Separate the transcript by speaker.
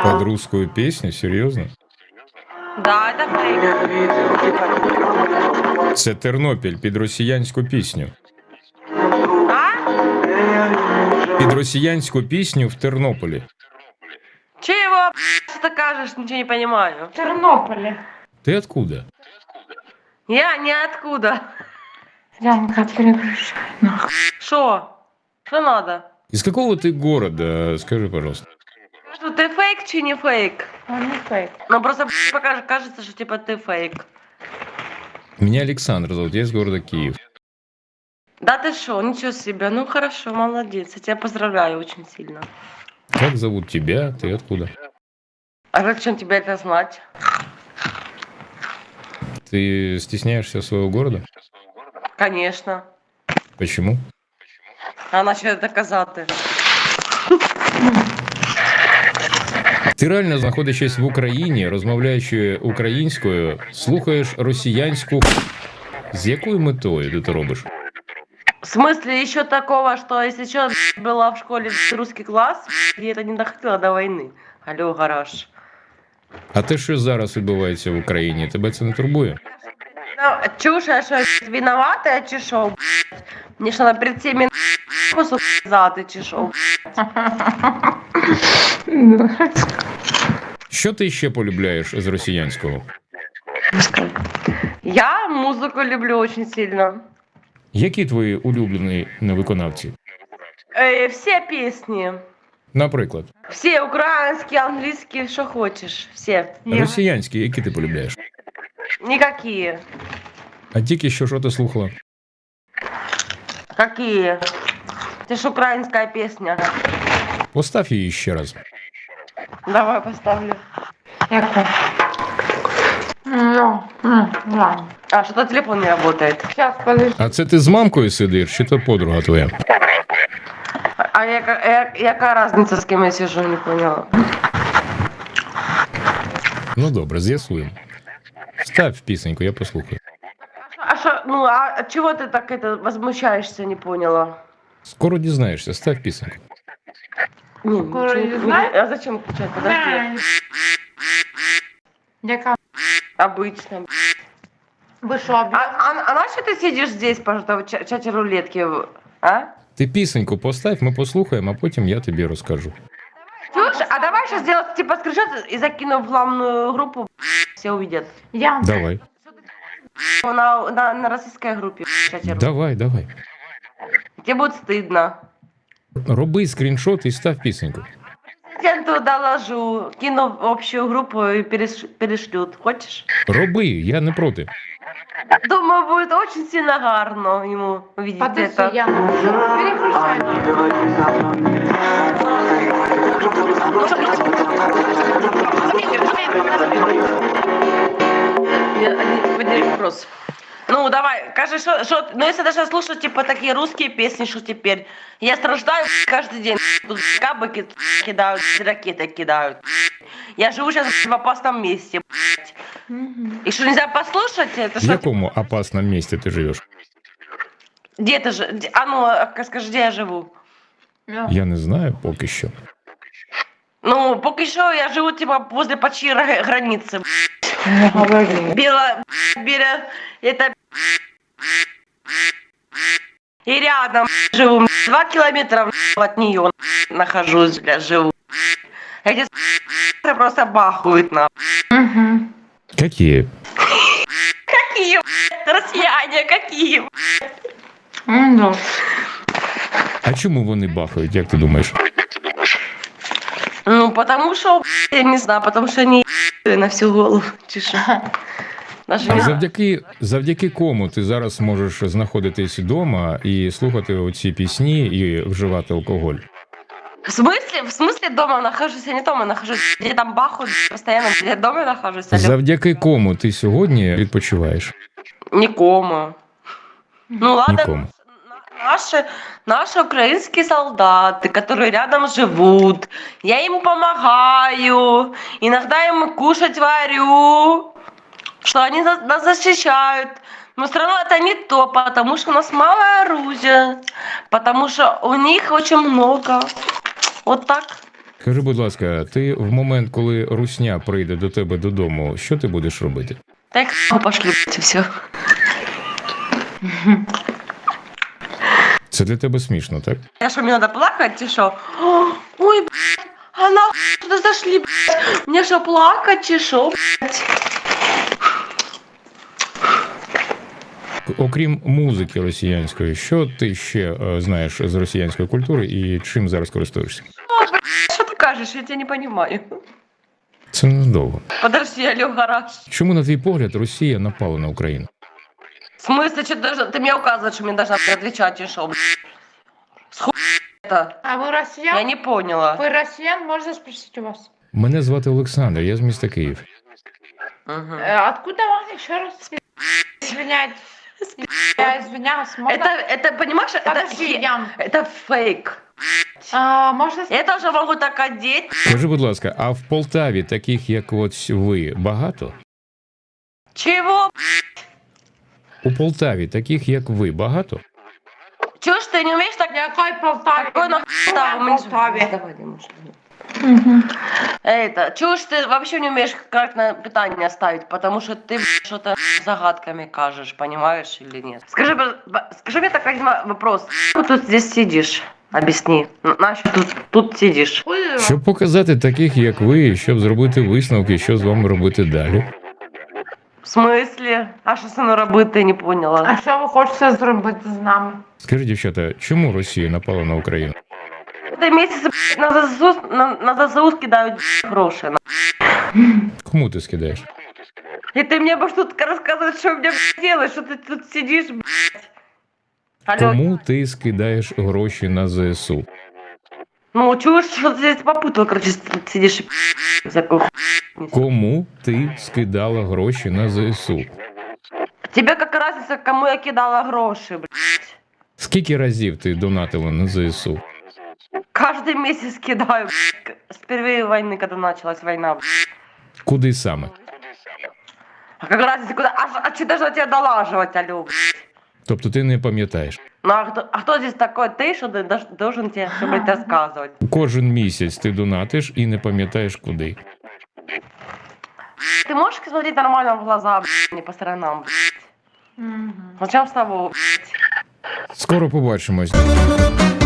Speaker 1: Под русскую песню? Серйозно?
Speaker 2: Да, это фейк.
Speaker 1: Це Тернопіль під росіянську пісню.
Speaker 2: А?
Speaker 1: Під росіянську пісню в Тернополі.
Speaker 2: Чего, что ты кажешь, ничего не понимаю.
Speaker 3: В Тернополе.
Speaker 1: Ты откуда?
Speaker 2: Я ниоткуда.
Speaker 3: Янка, переключай. Нахуй.
Speaker 2: Шо? Что надо?
Speaker 1: Из какого ты города? Скажи, пожалуйста.
Speaker 2: Что, ты фейк чи не фейк?
Speaker 3: Он не фейк.
Speaker 2: Ну просто пока кажется, что типа ты фейк.
Speaker 1: Меня Александр зовут, я из города Киев.
Speaker 2: Да ты шо, ничего себе. Ну хорошо, молодец. Я тебя поздравляю очень сильно.
Speaker 1: Как зовут тебя? Ты откуда?
Speaker 2: А зачем тебе это знать?
Speaker 1: Ты стесняешься своего города?
Speaker 2: Конечно.
Speaker 1: Почему?
Speaker 2: А наче доказати.
Speaker 1: Ти реально, знаходячись в Україні, розмовляючи українською, слухаєш росіянську. З якою метою ти це робиш?
Speaker 2: В смысле еще такого, что если что, была в школе русский класс, и это не доходило до войны. Алло, гараж.
Speaker 1: А те, що зараз відбувається в Україні, тебе це не турбує?
Speaker 2: Ну, чушь, я что, виновата, чи шо? Мне что, надо перед всеми кусок зады, чи шо?
Speaker 1: Що ти ще полюбляєш з росіянського?
Speaker 2: Я музыку люблю очень сильно.
Speaker 1: Які твої улюблені виконавці?
Speaker 2: Все песни.
Speaker 1: Наприклад,
Speaker 2: Все украинские, английские, что хочешь. Все.
Speaker 1: росіянські, які ти полюбляєш?
Speaker 2: Никакие.
Speaker 1: А тільки що ти слухала?
Speaker 2: Какие? Это ж украинская песня.
Speaker 1: Постав її ще раз.
Speaker 2: Давай поставлю.
Speaker 3: Яку? Да.
Speaker 2: А, что-то телефон не работает.
Speaker 3: Сейчас, подожди.
Speaker 1: А це ти з мамкою сидиш, чи то подруга твоя?
Speaker 2: А яка разница, с кем я сижу, не поняла.
Speaker 1: Ну добре, з'ясуємо. Став пісеньку, я послухаю.
Speaker 2: А что, ну, а чего ты так это возмущаешься, не поняла?
Speaker 1: Скоро дізнаєшся, став пісеньку.
Speaker 2: Не,
Speaker 3: Скоро
Speaker 2: ничего
Speaker 3: не знаешь?
Speaker 2: А зачем кричать? Подожди.
Speaker 3: Яка?
Speaker 2: Обычно.
Speaker 3: Ви що,
Speaker 2: А на что ты сидишь здесь, пожалуйста, в чате рулетки? А?
Speaker 1: Ти пісеньку постав, ми послухаємо, а потім я тобі розкажу.
Speaker 2: Слушай, а давай сейчас сделать типа скриншот и закину в главную группу, все увидят.
Speaker 3: Я.
Speaker 1: Давай,
Speaker 2: На российской группе в чате рулетки.
Speaker 1: давай.
Speaker 2: Тебе будет стыдно.
Speaker 1: Роби скріншот і став пісеньку.
Speaker 2: Президенту доложу, кину в общую группу и перешлют. Хочешь?
Speaker 1: Роби, я не проти.
Speaker 2: Думаю, будет очень сильно гарно ему увидеть
Speaker 3: Подожди,
Speaker 2: это.
Speaker 3: я. Переключай.
Speaker 2: Один вопрос. Ну, давай, кажи, что, ну, если даже слушать, типа, такие русские песни, что теперь? Я страждаю каждый день. Тут кабы кидают, ракеты кидают. Я живу сейчас в опасном месте. И что, нельзя послушать? Это
Speaker 1: В
Speaker 2: что,
Speaker 1: якому опасному місці ти живеш?
Speaker 2: где ты же? А ну, скажи, где я живу?
Speaker 1: Я не знаю поки що.
Speaker 2: Ну, пока еще я живу, типа, возле почти границы.
Speaker 3: Не говори.
Speaker 2: Бела, это... И рядом живу, 2 километра от нее нахожусь, бля, живу. Эти просто бахают на.
Speaker 3: Угу.
Speaker 1: Які?
Speaker 2: Какие, россияне, какие?
Speaker 3: Ну,
Speaker 1: А чому вони бахають, як ти думаєш?
Speaker 2: Ну, потому что, я не знаю, потому что они на всю голову чешу. Даже
Speaker 1: А
Speaker 2: не...
Speaker 1: завдяки кому ти зараз можеш знаходитись вдома і слухати оці пісні і вживати алкоголь?
Speaker 2: В смысле дома нахожусь? Я не дома нахожусь. Где там бахают постоянно, где я дома нахожусь. Алло.
Speaker 1: Завдяки кому ти сьогодні відпочиваєш?
Speaker 2: Никому. Ну ладно,
Speaker 1: Нікому.
Speaker 2: наши украинские солдаты, которые рядом живут, я им помогаю, иногда им кушать варю, что они нас защищают. Но все равно это не то, потому что у нас мало оружия, потому что у них очень много. Вот так.
Speaker 1: Скажи, будь ласка, ти в момент, коли русня прийде до тебе додому, що ти будеш робити?
Speaker 2: Так пошли, блядь, и все.
Speaker 1: Це для тебе смішно, так?
Speaker 2: Я что, мне надо плакать, и что? Ой, блядь, а нахуй туда зашли, блядь. Мне что, плакать, и что, блядь?
Speaker 1: Окрім музики росіянської, що ти ще знаєш з росіянської культури і чим зараз користуєшся?
Speaker 2: Что ты кажешь? Я тебя не понимаю.
Speaker 1: Це недовго.
Speaker 2: Подожди, алло, гараж.
Speaker 1: Чому, на твій погляд, Росія напала на Україну?
Speaker 2: В смысле, что ты мне указываешь, что мне должна отвечать, и что, блядь? С хуй это?
Speaker 3: А вы
Speaker 2: Я
Speaker 3: россиян?
Speaker 2: не поняла.
Speaker 3: Вы россиян? Можно спросить у вас?
Speaker 1: Мене звати Олександр, я з міста Київ.
Speaker 2: Мгм.
Speaker 3: Откуда вам еще раз? Извиняйтесь. Я извиняюсь. Можно?
Speaker 2: Это, понимаешь,
Speaker 3: Подожди, Ян.
Speaker 2: это фейк.
Speaker 3: Можно
Speaker 2: Это уже могу так одеть.
Speaker 1: Скажи, будь ласка, а в Полтаві таких, як от ви, багато?
Speaker 2: Чего?
Speaker 1: У Полтаві таких, як ви, багато?
Speaker 2: Чего ж ты не умеешь так?
Speaker 3: Какой Полтаве?
Speaker 2: Какой нахуй
Speaker 3: Какой Полтаве?
Speaker 2: Давай, Димуш. Это, чего ж ты вообще не умеешь корректно питание ставить? Потому что ты что-то загадками кажешь, понимаешь или нет? Скажи мне так один вопрос. Ты тут здесь сидишь? Объясни. Нащо тут сидишь?
Speaker 1: Щоб показати таких, як ви, щоб зробити висновки, що з вами робити далі.
Speaker 2: В смысле? А що со мною робити, не поняла.
Speaker 3: А що ви хочете зробити з нами?
Speaker 1: Скажіть, дівчата, чому Росія напала на Україну?
Speaker 2: Ти місяць на ЗСУ скидають гроші.
Speaker 1: Кому ти скидаєш?
Speaker 2: І ти мені будеш тут розказувати, що мені робити, що ти тут сидиш, блядь. Алло.
Speaker 1: Кому ти скидаєш гроші на ЗСУ?
Speaker 2: Ну, чуєш, що ти здесь попутала, короче, сидиш і всяку.
Speaker 1: Кому ти скидала гроші на ЗСУ?
Speaker 2: Тебе яка разниця, кому я кидала гроші, блядь.
Speaker 1: Скільки разів ти донатила на ЗСУ?
Speaker 2: Каждый месяц кидаю, блядь, с первой войны, когда началась война, блядь.
Speaker 1: Куди саме?
Speaker 2: А как разница, куда? А что должна тебя долаживать, алло, блядь?
Speaker 1: Тобто ти не пам'ятаєш.
Speaker 2: Ну, а кто здесь такой ты, что ты должен тебе, чтобы рассказывать?
Speaker 1: Кожен місяць ти донатиш і не пам'ятаєш куди.
Speaker 2: Ты можешь смотреть нормально в глаза, блядь, не по сторонам, блядь? Начнем с того, блядь.
Speaker 1: Скоро побачимось.